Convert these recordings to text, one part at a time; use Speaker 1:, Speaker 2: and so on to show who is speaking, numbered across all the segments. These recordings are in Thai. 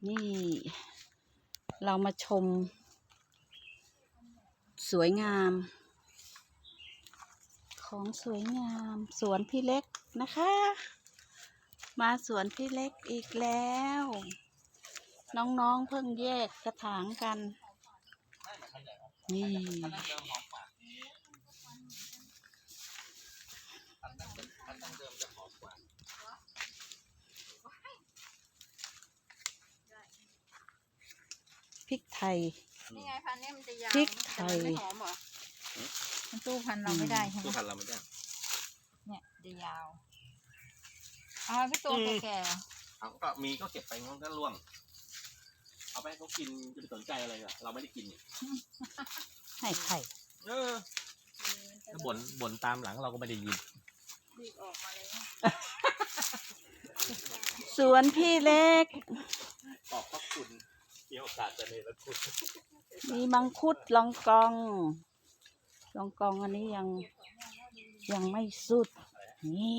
Speaker 1: นี่เรามาชมสวยงามของสวยงามสวนพี่เล็กนะคะมาสวนพี่เล็กอีกแล้วน้องๆเพิ่งแยกกระถางกันนี่พริกไทย
Speaker 2: นี่ไงพันนี้มันจะยาว
Speaker 1: พริกไทย
Speaker 2: ไม่หอมเหรอมันตู้พันเราไม่ได้ใช่ไหม
Speaker 3: ตู้พันเราไม่ได้
Speaker 2: เนี่ยจะยาวเอาพี่ตัวแก่
Speaker 3: เอาก็มีก็เก็บไปมันก็ร่วงเอาไปให้เขากินจะไปสนใจอะไรอ่ะเราไม่ได้กินนี่
Speaker 1: ให้ไข่
Speaker 3: ถ้าบ่นตามหลังเราก็ไม่ได้ยิน
Speaker 2: ดีออกมาเลย
Speaker 1: สวนพี่เล็ก
Speaker 3: ขอบพระคุณมีโอกาสจะเนรคุณ
Speaker 1: มีมังคุดลองกองอันนี้ยังไม่สุดนี่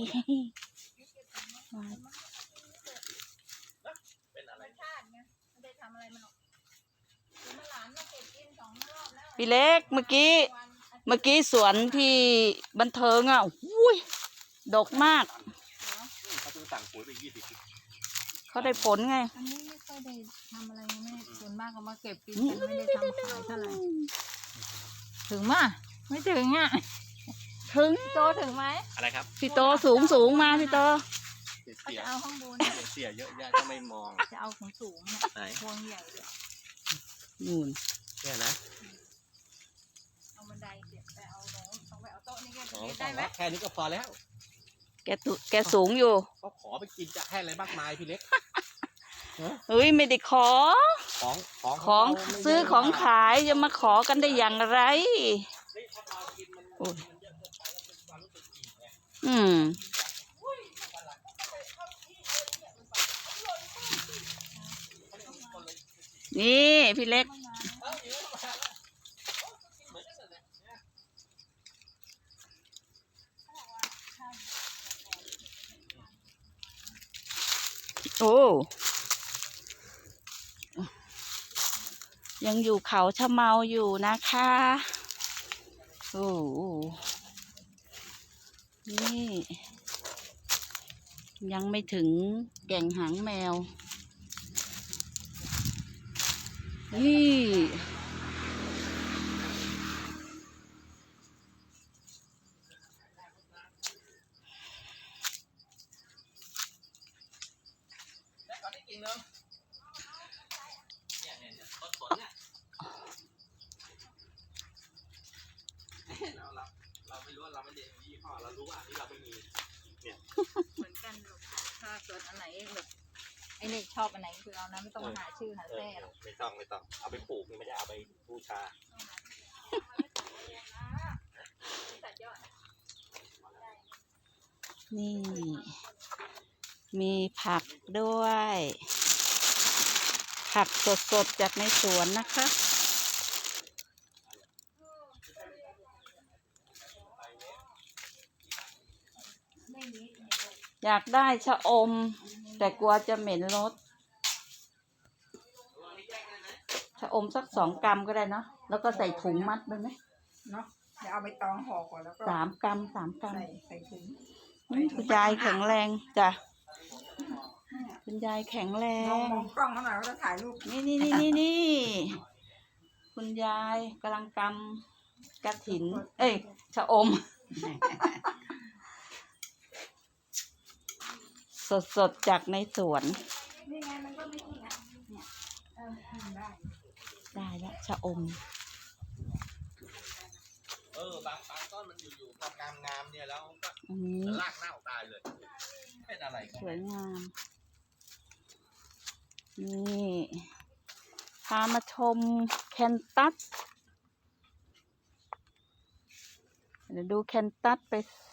Speaker 3: เป็นอะไร
Speaker 1: พี่เล็กเมื่อกี้สวนที่บันเทิงอ่ะอุ้ยดกมาก
Speaker 3: เขาต้องสั่งปุ๋ยไป20
Speaker 1: เขาได้ผลไง
Speaker 2: อันนี้ไม่ค่อยได้ทำอะไรแม่ส่วนมากเขามาเก็บกินกันไม่ได้ทำขายเท่าไหร่ถึงมั้ยไม่ถึงอ่ะ
Speaker 1: ถึง
Speaker 2: โตถึงไหม
Speaker 3: อะไรครับ
Speaker 1: พี่โตสูงมาพี่โต
Speaker 2: จะเอาข้างบน
Speaker 3: เสียเยอะแยะก็ไม่มอง
Speaker 2: จะเอาของสูงพวงใหญ่เลย
Speaker 1: นู่น
Speaker 3: เนี่ยนะ
Speaker 2: เอาบันไดเก็บไปเอาโน้ตต้องไปเอาโต๊ะนี่ได้ไหม
Speaker 3: แค่นี้ก็พอแล้ว
Speaker 1: แกสูงอยู่
Speaker 3: เขาขอไปกินจะให้อะไรมากมายพี่เล็ก
Speaker 1: เฮ้ยไม่ได้ของซื้อของขายจะมาขอกันได้อย่างไรนี่พี่เล็กโอ้ยังอยู่เขาชะเมาอยู่นะคะโอ้นี่ยังไม่ถึงแก่งหางแมวนี่
Speaker 3: เราไม่รู้ว่าเราไม่ได้ยี่ห้อเรารู้ว่าอันนี้เราไม่มีเนี่ย
Speaker 2: เหมือนกันถ้าเกิดอันไหนแบบไอ้เล็กชอบอันไหนคือเอานะไม่ต้องมาหาชื่อหาแท้หรอก
Speaker 3: ไม่ต้องเอาไปปลูกนี่ไม่ได้เอาไปบูชา
Speaker 1: นี่มีผักด้วยผักสดๆจากในสวนนะคะอยากได้ชะอมแต่กลัวจะเหม็นรสชะอมสัก2 กรัมก็ได้เนาะแล้วก็ใส่ถุงมัดไปไหม
Speaker 2: เนาะเดี๋ยวเอาไปตองห่อก่อนแล้วก็
Speaker 1: 3 กรัม
Speaker 2: ใส่ถุง
Speaker 1: คุณยายแข็งแรงจ้ะคุณยายแข็งแรง
Speaker 2: มองกล้องเขาหน่อยว่าจะถ่ายรูป
Speaker 1: นี่คุณยายกำลังกำกระถินชะอมสดจากในสวน
Speaker 2: นี่ไงมันก็ไม่นี่นะเนี่ย
Speaker 1: ได้แล้วชะอม
Speaker 3: บางต้นมันอยู่งามเนี่ยแล้วก็รากเน่าตายเลยเป็นอะไร
Speaker 1: สวยงามนี่พามาชมแคนตัสเดี๋ยวดูแคนตัสไป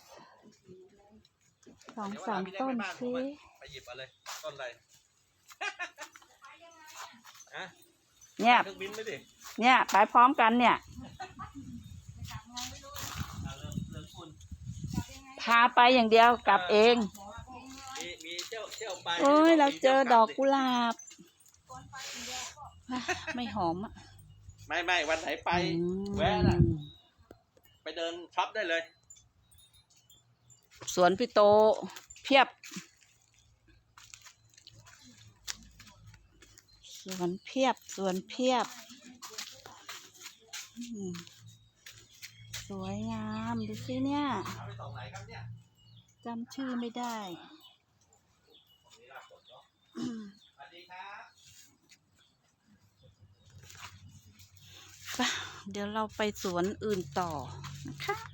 Speaker 1: 2-3 ต้นสิ
Speaker 3: ไปหยิบอะไรต้นอะไร
Speaker 1: เนี่ยไปพร้อมกันเนี่ยพาไปอย่างเดียวกลับเอง
Speaker 3: มีเที่ยวไป
Speaker 1: โอ้ยเราเจอดอกกุหลาบไม่หอมอ่ะ
Speaker 3: ไม่วันไหนไป แวะน่ะ ไปเดินช็อปได้เลย
Speaker 1: สวนพี่โตเพียบ สวนเพียบอืมสวยงามดูสิเนี่ย
Speaker 3: เอาไปส่งไหนครับเนี่ย
Speaker 1: จำชื่อไม่ได้
Speaker 3: สวัสดีครับ
Speaker 1: ไปเดี๋ยวเราไปสวนอื่นต่อนะคะ